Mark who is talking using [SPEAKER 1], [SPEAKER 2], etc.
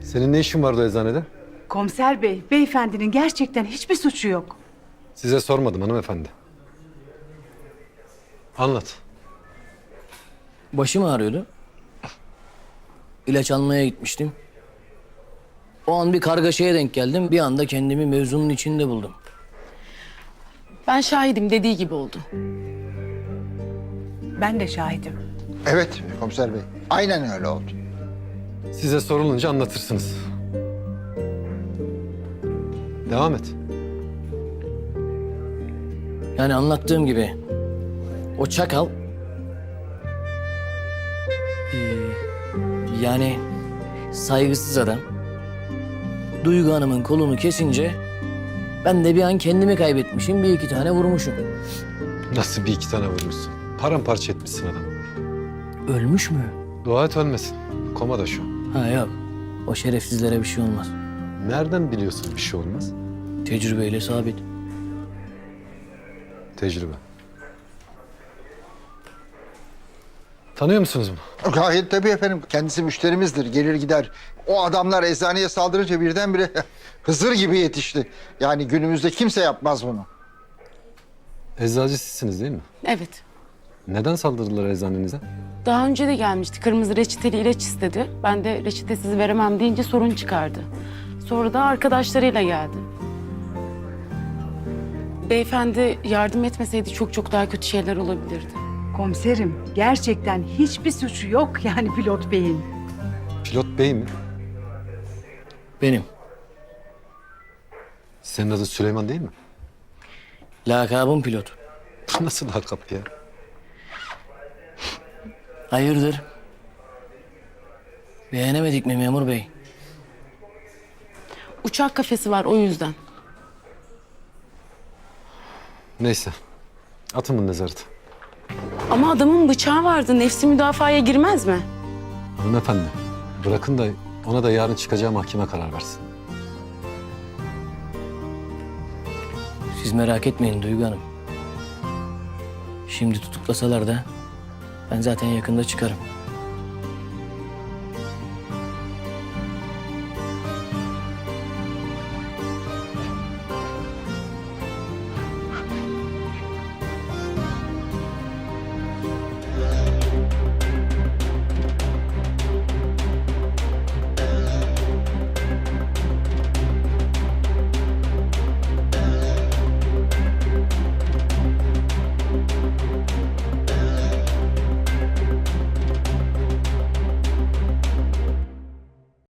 [SPEAKER 1] Senin ne işin vardı eczanede?
[SPEAKER 2] Komiser bey, beyefendinin gerçekten hiçbir suçu yok.
[SPEAKER 1] Size sormadım hanımefendi. Anlat.
[SPEAKER 3] Başım ağrıyordu. İlaç almaya gitmiştim. O an bir kargaşaya denk geldim. Bir anda kendimi mevzunun içinde buldum.
[SPEAKER 4] Ben şahidim, dediği gibi oldu.
[SPEAKER 2] Ben de şahidim.
[SPEAKER 5] Evet komiser bey. Aynen öyle oldu.
[SPEAKER 1] Size sorulunca anlatırsınız. Devam et.
[SPEAKER 3] Yani anlattığım gibi o çakal yani saygısız adam Duygu Hanım'ın kolunu kesince ben de bir an kendimi kaybetmişim. Bir iki tane vurmuşum.
[SPEAKER 1] Nasıl bir iki tane vurmuşsun? Paramparça etmişsin adam.
[SPEAKER 3] Ölmüş mü?
[SPEAKER 1] Dua et ölmesin. Komada şu an.
[SPEAKER 3] Ha yok. O şerefsizlere bir şey olmaz.
[SPEAKER 1] Nereden biliyorsun bir şey olmaz?
[SPEAKER 3] Tecrübeyle sabit.
[SPEAKER 1] Tecrübe. Tanıyor musunuz bunu?
[SPEAKER 5] Gayet tabii efendim. Kendisi müşterimizdir. Gelir gider. O adamlar eczaneye saldırınca birdenbire Hızır gibi yetişti. Yani günümüzde kimse yapmaz bunu.
[SPEAKER 1] Eczacı sizsiniz değil mi?
[SPEAKER 4] Evet.
[SPEAKER 1] Neden saldırdılar eczanenize?
[SPEAKER 4] Daha önce de gelmişti. Kırmızı reçeteli ilaç istedi. Ben de reçetesiz veremem deyince sorun çıkardı. Sonra da arkadaşlarıyla geldi. Beyefendi yardım etmeseydi çok daha kötü şeyler olabilirdi.
[SPEAKER 2] Komiserim, gerçekten hiçbir suçu yok yani pilot beyin.
[SPEAKER 1] Pilot bey mi?
[SPEAKER 3] Benim.
[SPEAKER 1] Senin adın Süleyman değil mi?
[SPEAKER 3] Lakabım pilot.
[SPEAKER 1] Nasıl lakap ya?
[SPEAKER 3] Hayırdır? Beğenemedik mi memur bey?
[SPEAKER 4] Uçak kafesi var o yüzden.
[SPEAKER 1] Neyse. Atın bunu nezarete.
[SPEAKER 4] Ama adamın bıçağı vardı. Nefsi müdafaya girmez mi?
[SPEAKER 1] Hanımefendi, bırakın da ona da yarın çıkacağı mahkeme karar versin.
[SPEAKER 3] Siz merak etmeyin Duygu Hanım. Şimdi tutuklasalar da ben zaten yakında çıkarım.